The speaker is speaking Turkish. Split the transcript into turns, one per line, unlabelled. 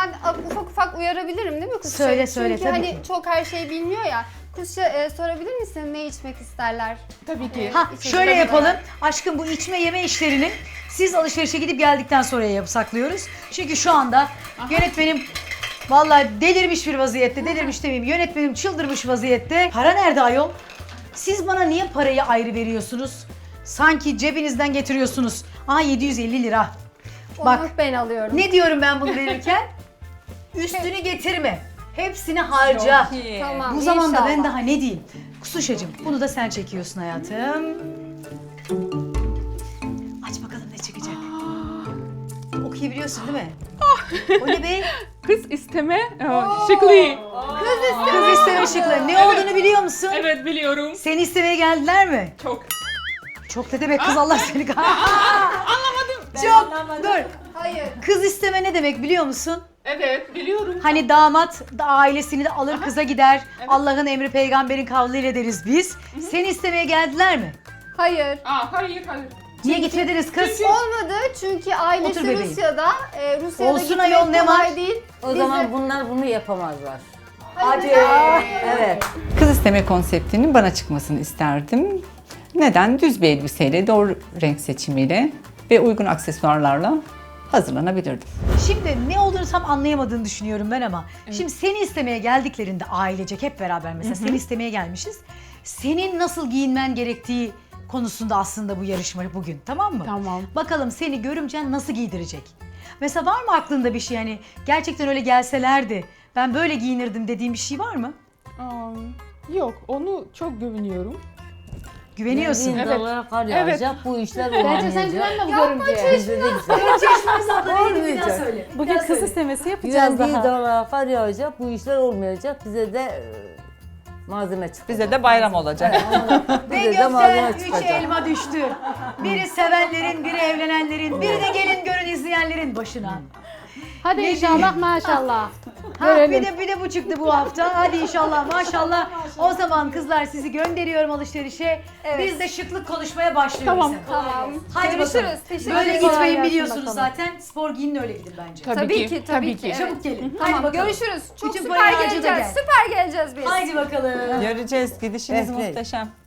ben ufak ufak uyarabilirim değil mi Kusça?
Söyle
Çünkü
tabii
hani
ki.
çok her şeyi bilmiyor ya. Kusça sorabilir misin ne içmek isterler?
Tabii ki.
Ha
İçecek
şöyle
olarak.
yapalım. Aşkım bu içme yeme işlerini siz alışverişe gidip geldikten sonra saklıyoruz. Çünkü şu anda yönetmenim vallahi delirmiş bir vaziyette. Delirmiş demeyeyim. Yönetmenim çıldırmış vaziyette. Para nerede ayol? Siz bana niye parayı ayrı veriyorsunuz? Sanki cebinizden getiriyorsunuz. Aa 750 lira. Bak
Onu ben alıyorum.
ne diyorum ben bunu verirken? Üstünü getirme. Hepsini harca.
Çok iyi.
Tamam,
Bu zamanda ben
inşallah.
daha ne diyeyim? Kusuşacığım bunu da sen çekiyorsun hayatım. Aç bakalım ne çıkacak. Okuyabiliyorsun değil mi? O ne be?
Kız isteme şıklı.
Kız isteme şıkları. Ne olduğunu biliyor musun?
Evet biliyorum.
Seni istemeye geldiler mi?
Çok.
Çok ne demek kız Allah seni
Anlamadım.
Çok. Dur.
Hayır.
Kız isteme ne demek biliyor musun?
Evet biliyorum.
Hani damat da ailesini de alır kıza gider. Allah'ın emri peygamberin kavliyle deriz biz. Seni istemeye geldiler mi?
Hayır.
Hayır.
Niye gitmediniz kız?
Olmadı çünkü ailesi
Otur bebeğim.
Rusya'da. Rusya'da
Olsun
gitmek
ayol, ne
kolay
var?
değil.
O zaman bunlar bunu yapamazlar.
Hadi.
Evet.
Kız isteme konseptinin bana çıkmasını isterdim. Neden? Düz bir elbiseyle, doğru renk seçimiyle ve uygun aksesuarlarla hazırlanabilirdim.
Şimdi ne olduğunu tam anlayamadığını düşünüyorum ben ama. Şimdi seni istemeye geldiklerinde ailecek hep beraber mesela seni istemeye gelmişiz. Senin nasıl giyinmen gerektiği konusunda aslında bu yarışma bugün, tamam mı?
Tamam.
Bakalım seni görümcen nasıl giydirecek? Mesela var mı aklında bir şey hani gerçekten öyle gelselerdi ben böyle giyinirdim dediğin bir şey var mı?
Yok onu çok güveniyorum.
Güveniyorsun.
Bin dolara kar yağacak, bu işler olmayacak.
Bence sen güvenme bu görümceye.
Bizde de güzel.
Bir daha söyle.
Bugün kız istemesi yapacağız
Güvendiği
daha.
dolara kar yağacak, bu işler olmayacak. Bize de malzeme çıkacak.
Bize de bayram olacak.
Ve
Bize de malzeme
gökten üç
çıkacak.
elma düştü. Biri sevenlerin, biri evlenenlerin, biri de gelin görün izleyenlerin başına.
Hadi inşallah maşallah.
Ha, bir de bu çıktı bu hafta. Hadi inşallah maşallah. O zaman kızlar sizi gönderiyorum alışverişe. Biz de şıklık konuşmaya başlıyoruz.
Tamam.
Tamam.
Hadi
Görüşürüz.
bakalım.
Teşekkür
Böyle
ederim.
gitmeyin biliyorsunuz zaten. Spor giyinin öyle gidin bence.
Tabii ki. Evet.
Çabuk gelin. Hadi
Tamam,
bakalım.
görüşürüz. Çok
Bütün
süper
parayı harca da
geleceğiz.
gel.
Süper geleceğiz biz.
Haydi bakalım.
Göreceğiz. Gidişiniz
Evet.
muhteşem.